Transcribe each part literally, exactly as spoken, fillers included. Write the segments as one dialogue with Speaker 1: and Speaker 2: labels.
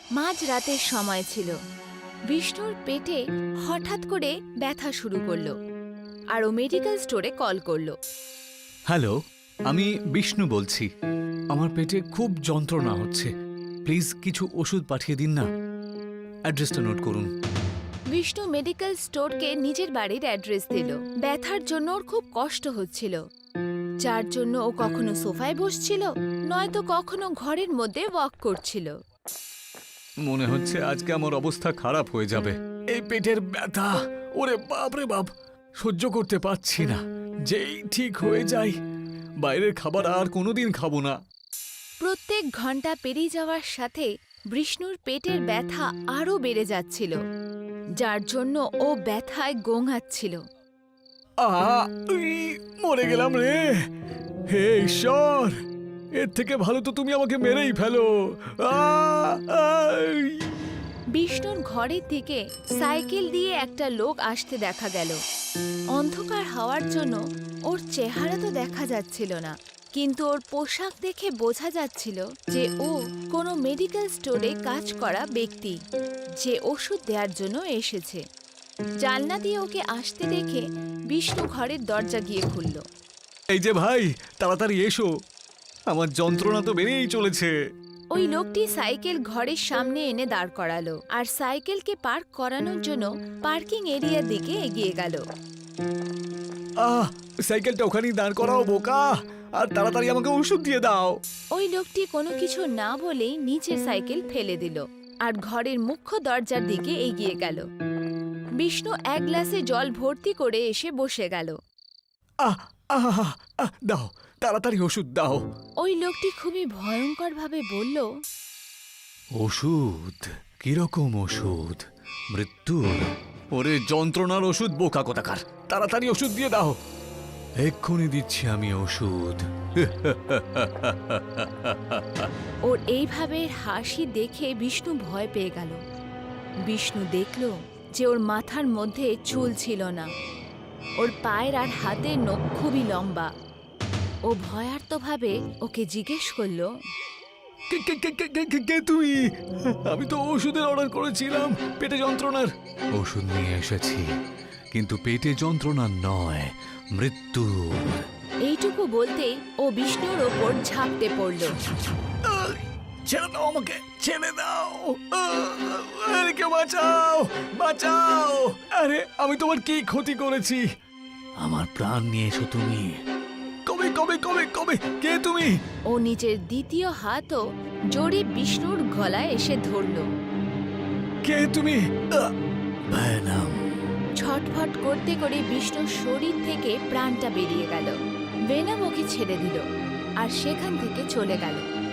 Speaker 1: মাঝ রাতের সময় ছিল। বিষ্ণুর পেটে হঠাৎ করে ব্যথা শুরু করলো আর ও মেডিকেল স্টোরে কল করলো।
Speaker 2: হ্যালো, আমি বিষ্ণু বলছি। আমার পেটে খুব যন্ত্রণা হচ্ছে, প্লিজ কিছু ওষুধ পাঠিয়ে দিন না। অ্যাড্রেসটা নোট করুন।
Speaker 1: বিষ্ণু মেডিকেল স্টোরকে নিজের বাড়ির অ্যাড্রেস দিল। ব্যথার জন্য ওর খুব কষ্ট হচ্ছিল, যার জন্য ও কখনো সোফায় বসছিল, নয়তো কখনো ঘরের মধ্যে ওয়াক করছিল।
Speaker 2: মনে হচ্ছে আজকে আমার অবস্থা খারাপ হয়ে যাবে। এই পেটের ব্যথা, ওরে বাপ রে বাপ, সহ্য করতে পারছি না। যেই ঠিক হয়ে যাই, বাইরের খাবার আর কোনোদিন খাবো না।
Speaker 1: প্রত্যেক ঘন্টা পেরিয়ে যাওয়ার সাথে বিষ্ণুর পেটের ব্যথা আরও বেড়ে যাচ্ছিল, যার জন্য ও ব্যথায় গোঙাচ্ছিল।
Speaker 2: আহা, উই, মরে গেলাম রে। হে ঈশ্বর, এর থেকে ভালো তো তুমি আমাকে মেরেই ফেলো। আহ, আই।
Speaker 1: বিষ্ণুর ঘরের দিকে সাইকেল দিয়ে একটা লোক আসতে দেখা গেল। অন্ধকার হওয়ার জন্য ওর চেহারা তো দেখা যাচ্ছিল না, কিন্তু ওর পোশাক দেখে বোঝা যাচ্ছিল যে ও কোনো মেডিকেল স্টোরে কাজ করা ব্যক্তি, যে ওষুধ দেওয়ার জন্য এসেছে। জানলা দিয়ে ওকে আসতে দেখে বিষ্ণু ঘরের দরজা গিয়ে খুলল।
Speaker 2: এই যে ভাই, তাড়াতাড়ি এসো, আমার যন্ত্রণা তো বেড়েই চলেছে।
Speaker 1: ওই লোকটি সাইকেল ঘরের সামনে এনে দাঁড় করালো আর সাইকেলকে পার্ক করানোর জন্য পার্কিং এরিয়ার দিকে এগিয়ে গেল।
Speaker 2: আহ, সাইকেলটা ওখানেই দাঁড় করাও বোকা, আর তাড়াতাড়ি আমাকে ওষুধ দিয়ে দাও।
Speaker 1: ওই লোকটি কোনো কিছু না বলেই নিচের সাইকেল ফেলে দিল আর ঘরের মুখ্য দরজার দিকে এগিয়ে গেল। বিষ্ণু এক গ্লাসে জল ভর্তি করে এসে বসে গেল।
Speaker 2: আহ আহ আহ, দাও, তাড়াতাড়ি ওষুধ দাও।
Speaker 1: ওই লোকটি খুবই ভয়ঙ্করভাবে বলল,
Speaker 2: ওষুধ? কিরকম ওষুধ? মৃত্যুর? ওরে যন্ত্রণার ওষুধ বোকা কোথাকার, তাড়াতাড়ি ওষুধ দিয়ে দাও। এক্ষুনি দিচ্ছি আমি ওষুধ।
Speaker 1: ওর এইভাবে হাসি দেখে বিষ্ণু ভয় পেয়ে গেল। বিষ্ণু দেখল যে ওর মাথার মধ্যে চুল ছিল না, ওর পায়ের আর হাতের নখ খুবই লম্বা। ও ভয়ার্তভাবে ওকে জিজ্ঞেস করল,
Speaker 2: কে কে কে কে কে কে তুমি? আমি তো ওষুধের অর্ডার করেছিলাম, পেটে যন্ত্রণার। ওষুধ নিয়ে এসেছি, কিন্তু পেটে যন্ত্রণা নয়, মৃত্যুর।
Speaker 1: এইটুকু বলতেই ও বিষ্ণুর ওপর ঝাঁপতে পড়ল।
Speaker 2: আহ, ছেড়ে দাও আমাকে, ছেড়ে দাও। আহ, আরে কেউ বাঁচাও, বাঁচাও। আরে আমি তোমার কি ক্ষতি করেছি? আমার প্রাণ নিয়েছো তুমি। কবে কবে কবে কবে কে তুমি?
Speaker 1: ও নিজের দ্বিতীয় হাতও জোরে বিষ্ণুর গলায় এসে ধরল।
Speaker 2: কে তুমি? আহ, ভেনম।
Speaker 1: ছটফট করতে করে বিষ্ণুর শরীর থেকে প্রাণটা বেরিয়ে গেল। ভেনম ওকে ছেড়ে দিল আর সেখান থেকে চলে গেল।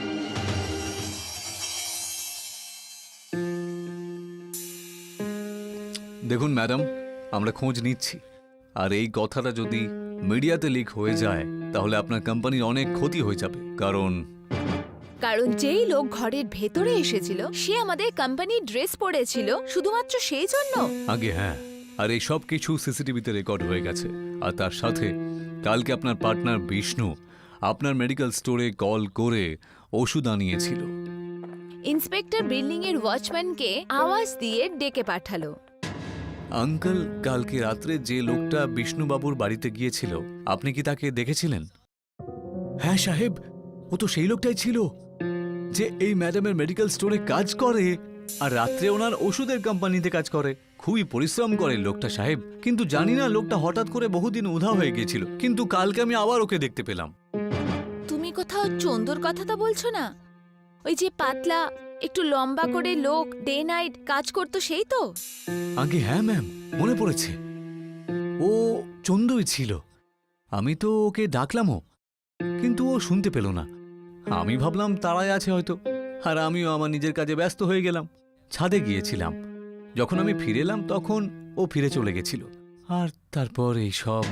Speaker 2: দেখুন ম্যাডাম, আমরা খোঁজ নিচ্ছি, আর এই কথাটা যদি মিডিয়াতে লিক হয়ে যায় তাহলে আপনার কোম্পানির অনেক ক্ষতি হয়ে যাবে। কারণ
Speaker 1: কারণ যেই লোক ঘরের ভেতরে এসেছিল সে আমাদের কোম্পানির ড্রেস পরেছিল, শুধুমাত্র সেই জন্য।
Speaker 2: আগে হ্যাঁ, আর এই সব কিছু সিসিটিভিতে রেকর্ড হয়ে গেছে। আর তার সাথে কালকে আপনার পার্টনার বিষ্ণু আপনার মেডিকেল স্টোরে কল করে ওষুধ আনিয়েছিল।
Speaker 1: ইন্সপেক্টর বিল্ডিং এর ওয়াচম্যানকে আওয়াজ দিয়ে ডেকে পাঠালো।
Speaker 2: আঙ্কেল, কালকে রাত্রে যে লোকটা বিষ্ণুবাবুর বাড়িতে গিয়েছিল, আপনি কি তাকে দেখেছিলেন? হ্যাঁ সাহেব, ও তো সেই লোকটাই ছিল যে এই ম্যাডামের মেডিকেল স্টোরে কাজ করে আর রাত্রে ওনার ওষুধের কোম্পানিতে কাজ করে। খুবই পরিশ্রম করে লোকটা সাহেব, কিন্তু জানি না লোকটা হঠাৎ করে বহুদিন উধাও হয়ে গিয়েছিল, কিন্তু কালকে আমি আবার ওকে দেখতে পেলাম।
Speaker 1: তুমি কোথাও চন্দুর কথা তো বলছো না? ওই যে পাতলা, একটু লম্বা করে লোক ডে নাইট কাজ করতো, সেই তো?
Speaker 2: আগে হ্যাঁ ম্যাম, মনে পড়েছে, ও চন্দুই ছিল। আমি তো ওকে ডাকলামও, কিন্তু ও শুনতে পেল না। আমি ভাবলাম তারাই আছে হয়তো, আর আমিও আমার নিজের কাজে ব্যস্ত হয়ে গেলাম। ছাদে গিয়েছিলাম, যখন আমি ফিরে এলাম তখন ও ফিরে চলে গেছিল। আর তারপর এই সব।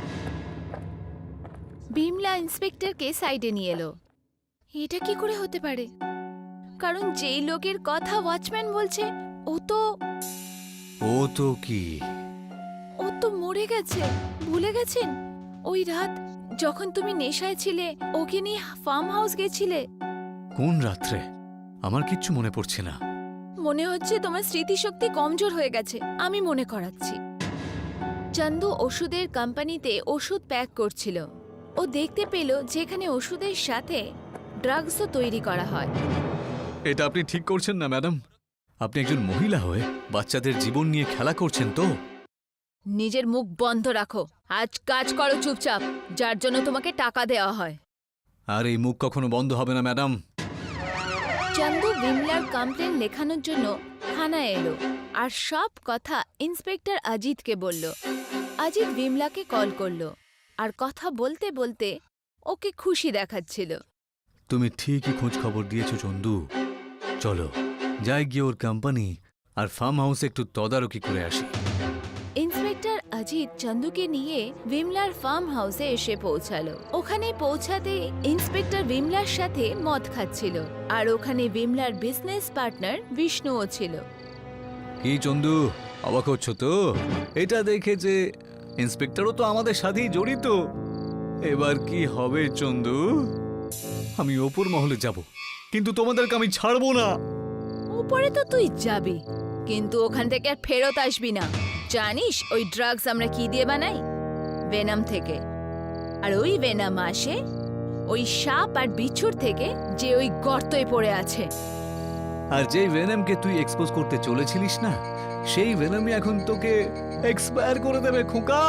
Speaker 1: বিমলা ইন্সপেক্টরকে সাইডে নিয়ে এলো। এটা কি করে হতে পারে? কারণ যেই লোকের কথা ওয়াচম্যান বলছে ও তো
Speaker 2: ও তো কি
Speaker 1: ও তো মরে গেছে। ভুলে গেছেন ওই রাত যখন তুমি নেশায় ছিলে, ওকে নিয়ে ফার্ম হাউস গেছিলে?
Speaker 2: কোন রাত্রে? আমার কিচ্ছু মনে পড়ছে না।
Speaker 1: মনে হচ্ছে তোমার স্মৃতিশক্তি কমজোর হয়ে গেছে। আমি মনে করাচ্ছি। চন্দু ওষুধের কোম্পানিতে ওষুধ প্যাক করছিল। ও দেখতে পেল যেখানে ওষুধের সাথে ড্রাগসও তৈরি করা হয়।
Speaker 2: এটা আপনি ঠিক করছেন না ম্যাডাম। আপনি একজন মহিলা হয়ে বাচ্চাদের জীবন নিয়ে খেলা করছেন তো।
Speaker 1: নিজের মুখ বন্ধ রাখো। আজ কাজ করো চুপচাপ, যার জন্য তোমাকে টাকা দেওয়া হয়।
Speaker 2: আর এই মুখ কখনো বন্ধ হবে না ম্যাডাম।
Speaker 1: চন্দু বিমলার কমপ্লেন লেখানোর জন্য থানায় এলো আর সব কথা ইন্সপেক্টর অজিতকে বলল। অজিত বিমলাকে কল করলো আর কথা বলতে বলতে ওকে খুশি দেখাচ্ছিল।
Speaker 2: তুমি ঠিকই খোঁজ খবর দিয়েছো চন্দু। চলো যাই গিয়ে ওর কোম্পানি আর ফার্ম হাউসে একটু তদারকি করে আসি।
Speaker 1: ইন্সপেক্টর অজিত চন্দুকে নিয়ে বিমলার ফার্ম হাউসে এসে পৌঁছালো। ওখানে পৌঁছাতে ইন্সপেক্টর বিমলার সাথে মদ খাচ্ছিল আর ওখানে বিমলার বিজনেস পার্টনার বিষ্ণুও ছিল।
Speaker 2: কি চন্দু, অবাক হচ্ছ তো? এটা দেখে যে ইন্সপেক্টরও তো আমাদের সাথেই জড়িত। এবার কি হবে চন্দু? আমি ওপর মহলে যাব, কিন্তু তোমাদেরকে আমি ছাড়বো না।
Speaker 1: উপরে তো তুই যাবি, কিন্তু ওখান থেকে আর ফেরত আসবি না। জানিস ওই ড্রাগস আমরা কি দিয়ে বানাই? ভেনাম থেকে। আর ওই ভেনাম আসে ওই সাপ আর বিচ্ছুর থেকে, যে ওই গর্তয় পড়ে আছে।
Speaker 2: আর যেই ভেনামকে তুই এক্সপোজ করতে চলেছিলিস না, সেই ভেনামই এখন তোকে এক্সপায়ার করে দেবে খোকা।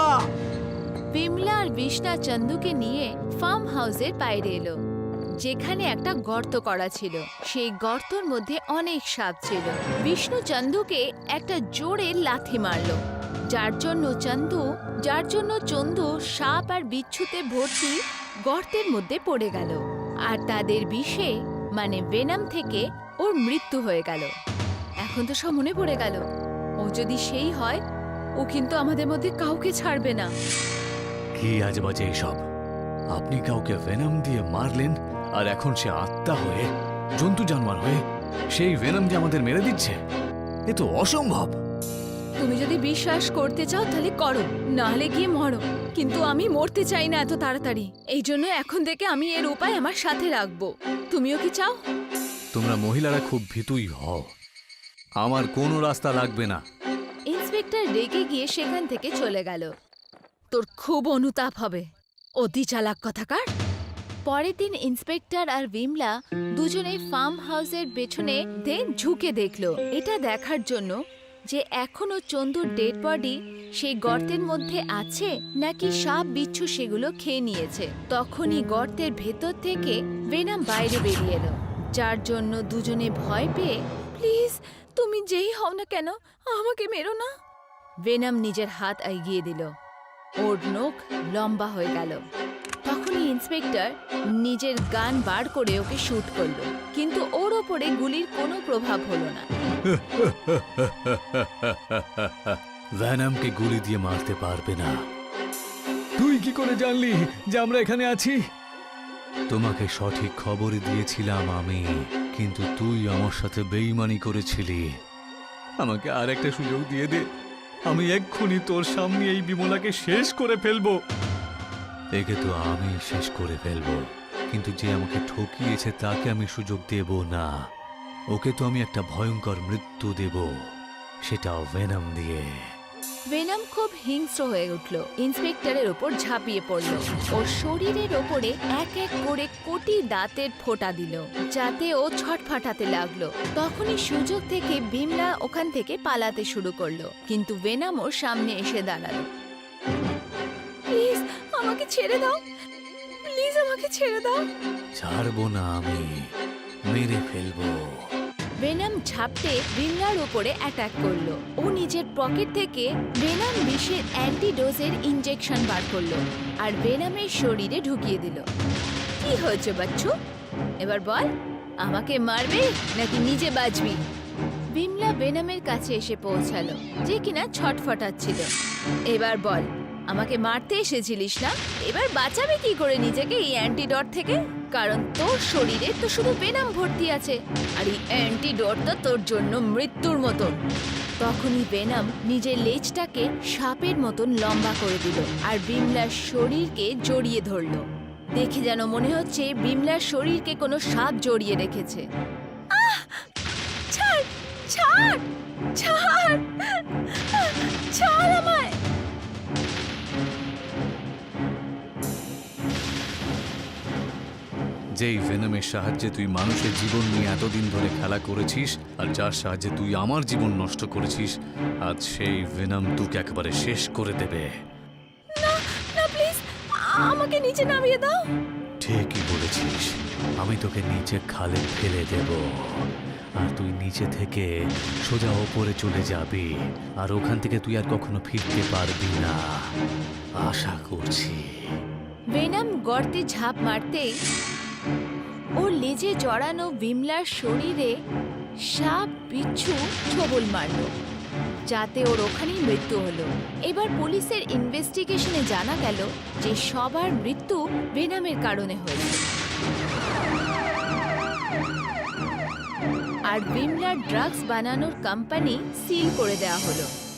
Speaker 1: বিমলা আর বিষ্ণা চন্দুকে নিয়ে ফার্ম হাউসের বাইরে এলো, যেখানে একটা গর্ত করা ছিল। সেই গর্তর মধ্যে অনেক সাপ ছিল। বিষ্ণু চন্দুকে একটা জোরে লাথি মারলো, যার জন্য চন্দু যার জন্য চন্দু সাপ আর বিচ্ছুতে ভর্তি গর্তের মধ্যে পড়ে গেল। আর তাদের বিষে মানে ভেনাম থেকে ওর মৃত্যু হয়ে গেল। এখন তো সব মনে পড়ে গেল, ও যদি সেই হয়, ও কিন্তু আমাদের মধ্যে কাউকে ছাড়বে না।
Speaker 2: কি আজেবাজে এসব! আপনি কাউকে ভেনাম দিয়ে মারলেন, আর এখন সে আত্মা হয়ে, জন্তু জানোয়ার হয়ে সেই ভেনাম দিয়ে আমাদের মেরে দিচ্ছে। এ তো অসম্ভব।
Speaker 1: তুমি যদি বিশ্বাস করতে চাও তাহলে করো, নাহলে গিয়ে মরো। কিন্তু আমি মরতে চাই না এত তাড়াতাড়ি। এই জন্য এখন থেকে আমি এর উপায় আমার সাথে রাখবো। তুমিও কি চাও?
Speaker 2: তোমরা মহিলারা খুব ভীতুই হও। আমার কোনো রাস্তা লাগবে না।
Speaker 1: ইন্সপেক্টর রেগে গিয়ে সেখান থেকে চলে গেল। তোর খুব অনুতাপ হবে, অতি চালাক কথাকার। পরের দিন ইন্সপেক্টর আর বিমলা দুজনে ফার্ম হাউসের পেছনে দিয়ে ঝুঁকে দেখলো, এটা দেখার জন্য যে এখনো চন্দুর ডেড বডি সেই গর্তের মধ্যে আছে নাকি সাপ বিচ্ছু সেগুলো খেয়ে নিয়েছে। তখনই গর্তের ভেতর থেকে ভেনাম বাইরে বেরিয়ে এলো, যার জন্য দুজনে ভয় পেয়ে, প্লিজ তুমি যেই হও না কেন আমাকে মেরো না। ভেনাম নিজের হাত এগিয়ে দিল, ওর নখ লম্বা হয়ে গেল। তখনই ইন্সপেক্টর নিজের গান বার করে ওকে শুট করলো, কিন্তু ওর ওপরে গুলির কোনো প্রভাব হলো না।
Speaker 2: ভ্যানামকে গুলি দিয়ে মারতে পারবে না। তুই কি করে জানলি যে আমরা এখানে আছি? তোমাকে সঠিক খবরই দিয়েছিলাম আমি, কিন্তু তুই আমার সাথে বেইমানি করেছিলি। আমাকে আর একটা সুযোগ দিয়ে দে, আমি এক্ষুনি তোর সামনে এই বিমলাকে শেষ করে ফেলবো। একে তো আমি শেষ করে ফেলবো, কিন্তু যে আমাকে ঠকিয়েছে তাকে আমি সুযোগ দেব না। ওকে তো আমি একটা ভয়ঙ্কর মৃত্যু দেব, সেটাও ভেনাম দিয়ে।
Speaker 1: ভেনাম খুব হিংস্র হয়ে উঠল, ইন্সপেক্টরের ওপর ঝাঁপিয়ে পড়ল। ওর শরীরের ওপরে এক এক করে কোটি দাঁতের ফোঁটা দিল, যাতে ও ছটফটাতে লাগলো। তখনই সুযোগ থেকে বিমলা ওখান থেকে পালাতে শুরু করলো, কিন্তু ভেনাম ওর সামনে এসে দাঁড়ালো। প্লিজ আমাকে ছেড়ে দাও, প্লিজ আমাকে ছেড়ে দাও।
Speaker 2: ছাড়বো না, আমি মেরে ফেলবো।
Speaker 1: ভেনাম ঝাপটে বিমলার উপরে অ্যাটাক করলো। ও নিজের পকেট থেকে ভেনাম বিষের অ্যান্টিডোজের ইনজেকশন বার করলো আর ভেনামের শরীরে ঢুকিয়ে দিল। কি হয়েছে বাচ্চু? এবার বল, আমাকে মারবে নাকি নিজে বাঁচবি? বিমলা ভেনামের কাছে এসে পৌঁছালো, যে কিনা ছটফটাচ্ছিল। এবার বল, আমাকে মারতে এসেছিলিস না? এবার বাঁচাবে কি করে নিজেকে এই অ্যান্টিডট থেকে? কারণ তোর শরীরে তো শুধু ভেনাম ভর্তি আছে, আর এই অ্যান্টিডট তো তোর জন্য মৃত্যুর মতন। তখনই ভেনাম নিজের লেজটাকে সাপের মতন লম্বা করে দিল আর বিমলার শরীরকে জড়িয়ে ধরল। দেখে যেন মনে হচ্ছে বিমলার শরীরকে কোনো সাপ জড়িয়ে রেখেছে। আহ! ছাড়, ছাড় ছাড় ছাড় আমায়।
Speaker 2: যেই ভেনমের সাহায্যে তুই মানুষের জীবন নিয়ে এতদিন ধরে খেলা করেছিস আর যার সাহায্যে তুই আমার জীবন নষ্ট করেছিস, আজ সেই ভেনম তোকে একেবারে শেষ করে দেবে।
Speaker 1: না না প্লিজ, আমাকে নিচে নামিয়ে দাও।
Speaker 2: ঠিকই বলেছিস, আমি তোকে নিচে খালে ফেলে দেব আর তুই নিচে থেকে সোজা ওপরে চলে যাবি আর ওখান থেকে তুই আর কখনো ফিরতে পারবি না, আশা করছি।
Speaker 1: ভেনম গর্তে ঝাঁপ মারতেই ওর লেজে জড়ানো বিমলার শরীরে সাপ বিচ্ছু ছোবল মারল, যাতে ওর ওখানেই মৃত্যু হলো। এবার পুলিশের ইনভেস্টিগেশনে জানা গেল যে সবার মৃত্যু ভেনমের কারণে হয়েছে আর বিমলার ড্রাগস বানানোর কোম্পানি সিল করে দেওয়া হলো।